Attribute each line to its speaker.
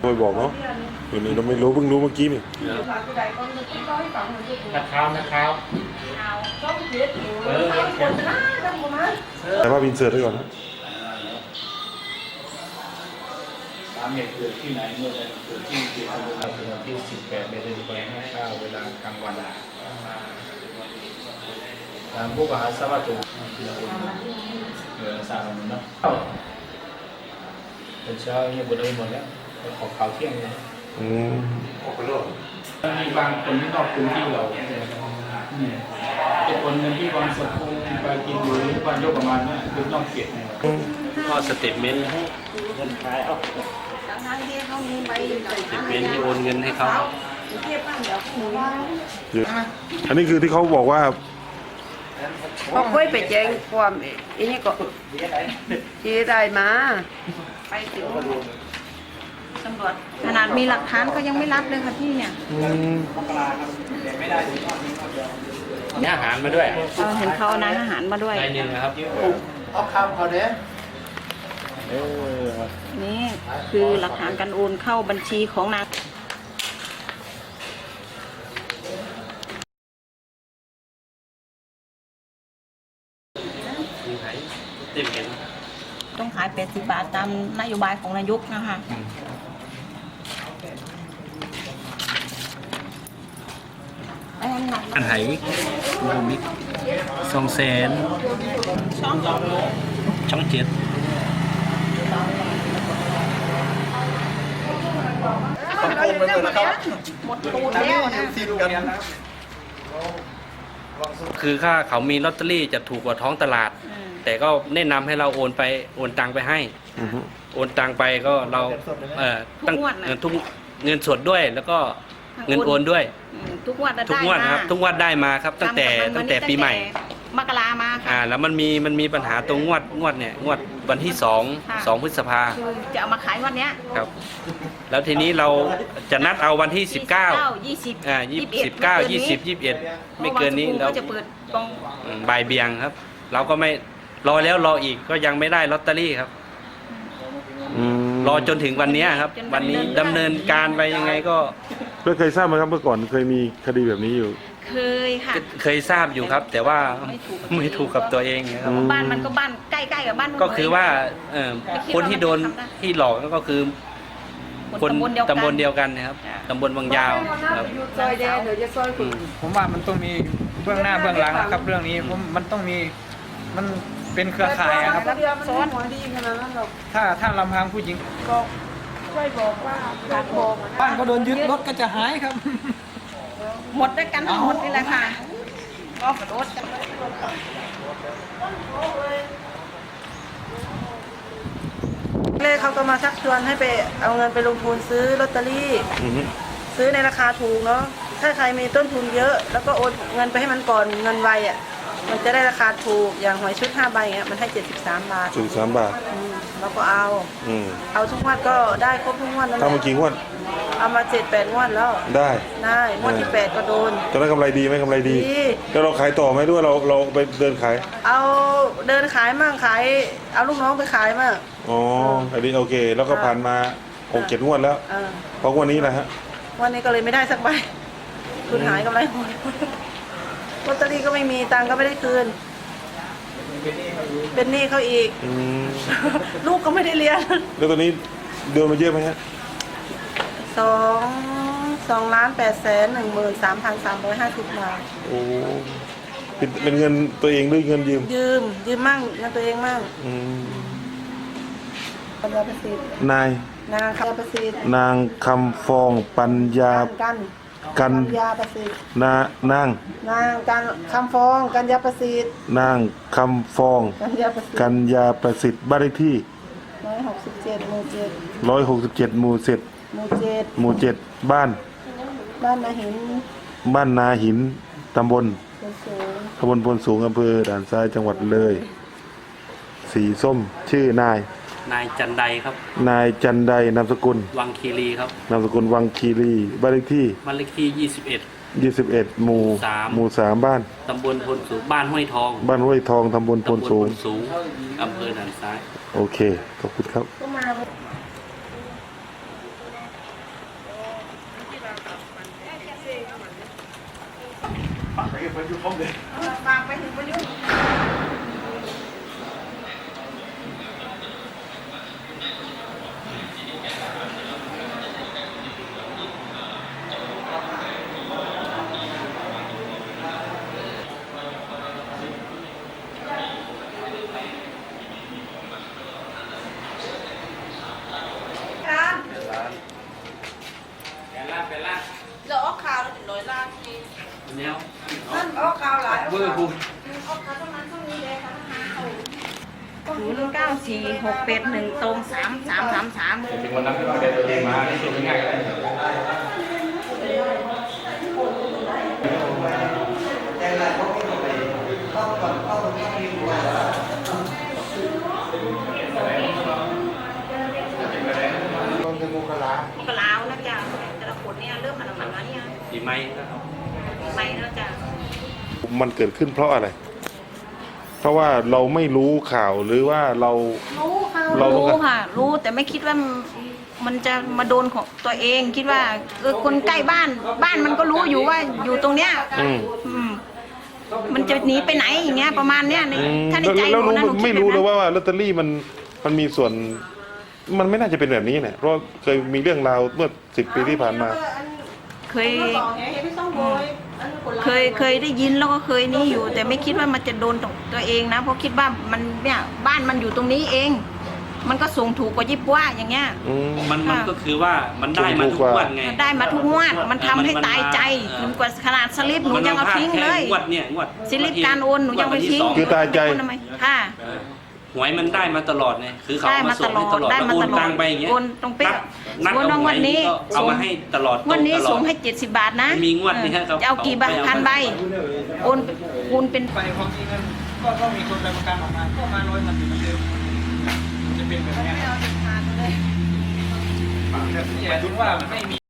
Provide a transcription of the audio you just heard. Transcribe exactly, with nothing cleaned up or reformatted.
Speaker 1: ไม่บอกเนาะวันนี้เราไม่รู้เพิ่งรู้เมื่อกี้นี่
Speaker 2: นะครับนะครับ
Speaker 1: แต่ว่าบินเสิร์ตไว้ก่อนนะ
Speaker 2: สามเหตุเกิดที่ไหนเมื่อใดเกิดที่ที่อำเภอวันที่สิบแปดเดือนแปดเก้าเวลากลางวันทางผู้บริหารสวัสดิ์เหลือสามเนาะเป็นเช้าเนี่ยบุญเลยหมดแล้วขอข่าวเที่ยงเลย
Speaker 1: อืม
Speaker 2: ออกไปเลยมีบางคนที่นอกพื้นที่เราจะคนในที่วันสดคงไปกินหรือวันยกประมาณนี้คือต้องเก็บก็สเตทเมนต์ให้เงินขายเอาสเตทเมนต์ที่โอนเงินให้เขา
Speaker 1: อันนี้คือที่เขาบอกว่า
Speaker 3: เขาค่อยไปแจ้งความอันนี้ก็ที่ได้มาไปถึงตำรวจขนาดมีหลักฐานก็ยังไม่รับเลยค่ะพี่เนี่ย
Speaker 2: นี่อาหารมาด้วย
Speaker 3: เราเห็นเขาเอานายอาหารมาด้วย
Speaker 2: ได้หนึ่งนะครับเอาคำเขาเด้
Speaker 3: นี่คือหลักฐานการโอนเข้าบัญชีของนางต้องขายแปดสิบบาทตามนโยบายของนายกนะคะ
Speaker 2: อันไหนมิกสองแสนช่องช่องเจ็ด
Speaker 3: หมดตูนแล้วนะ
Speaker 2: คือค่าเขามีลอตเตอรี่จะถูกกว่าท้องตลาดแต่ก็แนะนำให้เราโอนไปโอนตังไปให้โอนตังไปก็เราเอ่อตั้งทุกเงินสดด้วยแล้วก็เงินโอนด้วย
Speaker 3: ทุกงวด
Speaker 2: ทุกงวดครับทุกงวดได้มาครับตั้งแต่ตั้งแต่ปีใหม่
Speaker 3: มกรามาค่ะ
Speaker 2: อ่าแล้วมันมีมันมีปัญหาตรงงวดงวดเนี่ยงวดวันที่สองสองพฤษภา
Speaker 3: จะเอามาขายวันเนี้ย
Speaker 2: ครับแล้วทีนี้เราจะนัดเอาวันที่สิบเก้า
Speaker 3: ยี่สิบ
Speaker 2: อ่ายี่สิบเก้ายี่สิบยี่สิบเอ็ดไม่เกินนี้เรา
Speaker 3: จะเปิดตรง
Speaker 2: บ่ายเบียงครับเราก็ไม่รอแล้วรออีกก็ยังไม่ได้ลอตเตอรี่ครับรอจนถึงวันนี้ครับวันนี้ดำเนินการไปยังไงก็
Speaker 1: ไม่เคยทราบไหมครับเมื่อก่อนเคยมีคดีแบบนี้อยู่
Speaker 3: เคยค่ะ
Speaker 2: เคยทราบอยู่ครับแต่ว่าไม่ถูกกับตัวเองครับ
Speaker 3: บ้านมันก็บ้านใกล้ๆกับบ้าน
Speaker 2: ก็คือว่าคนที่โดนที่หลอกก็คือคนตำบลเดียวกันนะครับตำบลบางยาวครับ
Speaker 3: ซอยแดงเดี๋ยวจะซอยคุณ
Speaker 4: ผมว่ามันต้องมีเบื้องหน้าเบื้องหลังนะครับเรื่องนี้ผมมันต้องมีมันเป็นเครือข่ายครับ
Speaker 3: ซ้อนหัวดีขนาดนั้นหรอก
Speaker 4: ถ้าถ้าลำพังผู้หญิง
Speaker 3: ก็ช่วยบอกว่าการบอก
Speaker 4: บ้านก็โดนยึดรถก็จะหายครับ
Speaker 3: หมดด้วยกันทั้งหมดนี่แหละค่ะก็กระโดดกันเลยเขาก็มาชักชวนให้ไปเอาเงินไปลงทุนซื้อลอตเตอรี่ซื้อในราคาถูกเนาะถ้าใครมีต้นทุนเยอะแล้วก็โอนเงินไปให้มันก่อนเงินไวอ่ะมันจะได้ราคาถูกอย่างหวยชุดห้าใบเงี้ยมันให้เจ็ดสิบสามบาท
Speaker 1: เจ็ดสิบสามบาท
Speaker 3: เราก็เอาเอาทุกงวดก็ได้ครบทุกงวดแล้ว
Speaker 1: ทำมากี่งวด
Speaker 3: เอามาเจ็ดแปดงวดแล้ว
Speaker 1: ได้
Speaker 3: ได้งวดที่แปดก็โดน
Speaker 1: ตอนนั้นกำไรดีไหมกำไรดีแล้วเราขายต่อไหมด้วยเราเราไปเดินขาย
Speaker 3: เอาเดินขายมั่งขายเอาลูกน้องไปขายมั่ง
Speaker 1: อ๋ออันนี้โอเคแล้วก็ผ่านมาหกเจ็ดงวดแล้วเพราะวันนี้แหละฮะ
Speaker 3: วันนี้ก็เลยไม่ได้สักใบคุณหายกำไรหมดลอตเตอรี่ก็ไม่มีตังก็ไม่ได้คืนเป็นหนี้เขาอีกลูกก็ไม่ได้เรียน
Speaker 1: แล้วตอนนี้เดือนมาเยอะไหมฮะ
Speaker 3: สองสองล้านแปดแสนหนึ่งหมื่นสามพันสามร้อยห้าสิบบาท
Speaker 1: โอ้เป็นเงินตัวเองหรือเงินยืม
Speaker 3: ยืมยืมมั่งเงินตัวเองมั่งปัญญาประสิทธิ์
Speaker 1: นาย
Speaker 3: นางคำประสิทธิ์
Speaker 1: นางคำฟองปัญญา
Speaker 3: กัน
Speaker 1: กัน
Speaker 3: ยาประสิทธิ์
Speaker 1: นานาง
Speaker 3: นางกันคำฟองกันยาประสิทธิ์
Speaker 1: นางคำฟอง
Speaker 3: กันยาประสิทธิ์
Speaker 1: กันยาประสิทธิ์บ้านเลขที่
Speaker 3: ร้อยหกสิบเจ็ดหมู่เจ็ด
Speaker 1: ร้อยหกสิบเจ็ดหมู่เจ็ด
Speaker 3: หมู่เจ็ด
Speaker 1: หมู่เจ็ดบ้าน
Speaker 3: บ้านนาหิน
Speaker 1: บ้านนาหินตำบลตำบลพลสูงอำเภอด่านซ้ายจังหวัดเลยสีส้มชื่อนาย
Speaker 2: นายจันไดครับ
Speaker 1: นายจันไดนามสกุล
Speaker 2: วังคีรีครับ
Speaker 1: นามสกุลวังคีรีบ้านเลขที่
Speaker 2: บ้านเลขที่ยี่สิบเอ็ด
Speaker 1: ยี่สิบเอ็ดหมู่
Speaker 2: สาม
Speaker 1: หมู่สามบ้าน
Speaker 2: ตำบลพลสูงบ้านห้วยทอง
Speaker 1: บ้านห้วยทองตำบลพลสูง
Speaker 2: อำเภอด่านซ้าย
Speaker 1: โอเคขอบคุณครับ
Speaker 3: ฝากไปถึงประยุทธ์ เราออกข่าวเราถึงร้อยล้านที
Speaker 2: แนว
Speaker 3: นั่นออกข่าวหลาย
Speaker 2: เบอร์คุณ
Speaker 3: ออกข่าวประมาณช่วงนี้เลยค่ะ
Speaker 5: ศูนย์เก้าสี่หกเป็ดหนึ่งตรงสามสามสามสาม
Speaker 2: ถึงวันนั้นเราเดินตัวเองมาที่สุดง่ายๆเลย
Speaker 5: มกราแล้วจ้ะแต่ละคนเนี่ยเริ่มมันมันแล้วเนี่ย
Speaker 2: ปีใหม่นะครับ
Speaker 5: ไม่แล้วจ้ะ
Speaker 1: มันเกิดขึ้นเพราะอะไร เพราะว่าเราไม่รู้ข่าวหรือว่าเรา
Speaker 5: รู้ค่ะ
Speaker 1: เรารู้
Speaker 5: รู้
Speaker 1: กัน
Speaker 5: ค่ะ รู้แต่ไม่คิดว่ามันจะมาโดนของตัวเองคิดว่าเออคนใกล้บ้านบ้านมันก็รู้อยู่ว่าอยู่ตรงเนี้ย
Speaker 1: อืม
Speaker 5: อืมมันจะหนีไปไหนอย่างเงี้ยประมาณเนี้ยใน
Speaker 1: อืม
Speaker 5: ถ้าในใจห
Speaker 1: แล้ว
Speaker 5: นู
Speaker 1: รู้
Speaker 5: นะหนูคิ
Speaker 1: ไม่
Speaker 5: ด
Speaker 1: รู้
Speaker 5: แบบ
Speaker 1: เลย
Speaker 5: นั้น
Speaker 1: ว่าว่าลอตเตอรี่มันมันมีส่วน มันไม่น่าจะเป็นแบบนี้เนี่ยเพราะเคยมีเรื่องราวเมื่อสิบปีที่ผ่านมา
Speaker 5: เคย
Speaker 3: บอกไงเห็นพี่ต้องโวยอันนี้คนร้าย
Speaker 5: เคยเคยได้ยินแล้วก็เคยนี่อยู่ แต่ไม่คิดว่ามันจะโดนตัวเองนะเพราะคิดว่ามันเนี่ยบ้านมันอยู่ตรงนี้เอง มันก็ส่งถูกกว่ายิบว่าอย่างเงี้ย
Speaker 1: อืม
Speaker 2: มันมันก็คือว่ามันได้มาทุกงวันไง
Speaker 5: ได้มาทุกงวดมันทำให้ตายใจถึงกว่าขนาดสลิปหนูยังเอาทิ้งเลย
Speaker 2: งวดเนี่ยงวด
Speaker 5: สลิปการโอนหนูยังไปทิ้ง
Speaker 1: คือตายใจ
Speaker 5: ทำไมค่ะ
Speaker 2: เออหวยมันได้มาตลอดไงคือเขา
Speaker 5: ได้
Speaker 2: เอา
Speaker 5: มา
Speaker 2: มาส่
Speaker 5: ต
Speaker 2: ง
Speaker 5: ลอ
Speaker 2: ให้
Speaker 5: ด
Speaker 2: ตลอด
Speaker 5: ได้
Speaker 2: แล้ว
Speaker 5: มา
Speaker 2: โอ
Speaker 5: ต
Speaker 2: น
Speaker 5: ลอ
Speaker 2: ตั
Speaker 5: ด
Speaker 2: งไปอย่างเงี้ย
Speaker 5: โอนตรงเป๊ะ
Speaker 2: นัด
Speaker 5: โอน
Speaker 2: เอาหว
Speaker 5: วัน
Speaker 2: ย
Speaker 5: นี้
Speaker 2: ก็เอามาให้ตลอด
Speaker 5: วันนี้
Speaker 2: ตรงตลอด
Speaker 5: ส่งให้เจ็ดสิบบาทนะ
Speaker 2: มีงวดนี้ครับ
Speaker 5: จะเอากี่ใบ
Speaker 2: เอาไป
Speaker 5: พันใบโอนคูณเป็น
Speaker 4: ไปพอมีเงินก็ก็มีคนไปประกันออกมาก็มาร้อยมันอยู่เหมือนเดิมมันจะเป็นแบบนี้
Speaker 3: ไม่เอาเด็ดขาดเลย
Speaker 4: หมายถึงว่าไม่มี